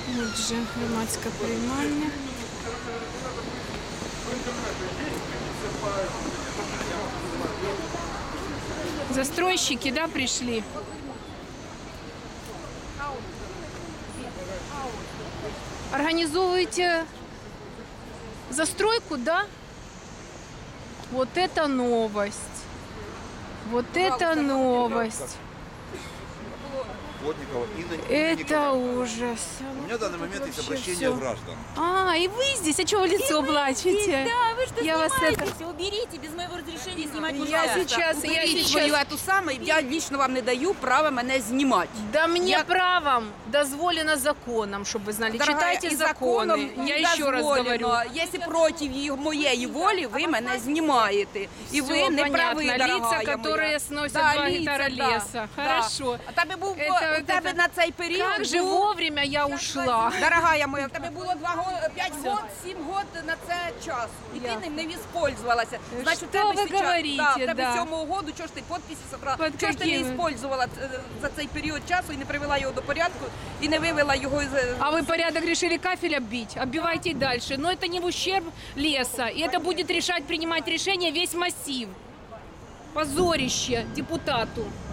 Отже, громадська приймальня. Застройщики, да, пришли? Организовываете застройку, да? Вот это новость. Вот это новость. Плотникова Инна Это Николаевна. ужас. У меня в данный момент есть обращение всё. граждан. А, и вы здесь? А чего вы лицо плачете? Да, вы что Я вас снимаетесь? Уберите, без моего разрешения снимать нельзя. Я сейчас... Уберіть свою эту саму, я лично вам не даю права мене знімати. Да мне Я- правом дозволено законом, чтобы вы знали. Дорогая, Читайте і законы. законом Я не еще раз дозволено. говорю. Якщо проти моєї волі, ви мене знімаєте. І Всё ви не понятно. праві, Лица, дорогая которые моя. сносят Да, 2 лица, гектара да, леса. да. Хорошо. А тебе був Это- у тебе это- на цей період. Как же був- вовремя я ушла. Дорогая моя, в тебе було 5 год, 7 год на це час. І ти ним не воспользувалася. Значить, у Що тебе ви сейчас- говорите, да, в тебе да. 7-го году, чого ж ти підписи собрала? Под Чого ж ти не какими? використовувала за цей період часу і не привела його до порядку, і не вивела його із... А вы порядок решили кафель оббить? Оббивайте и дальше. Но это не в ущерб леса. И это будет решать, принимать решение весь массив. Позорище депутату.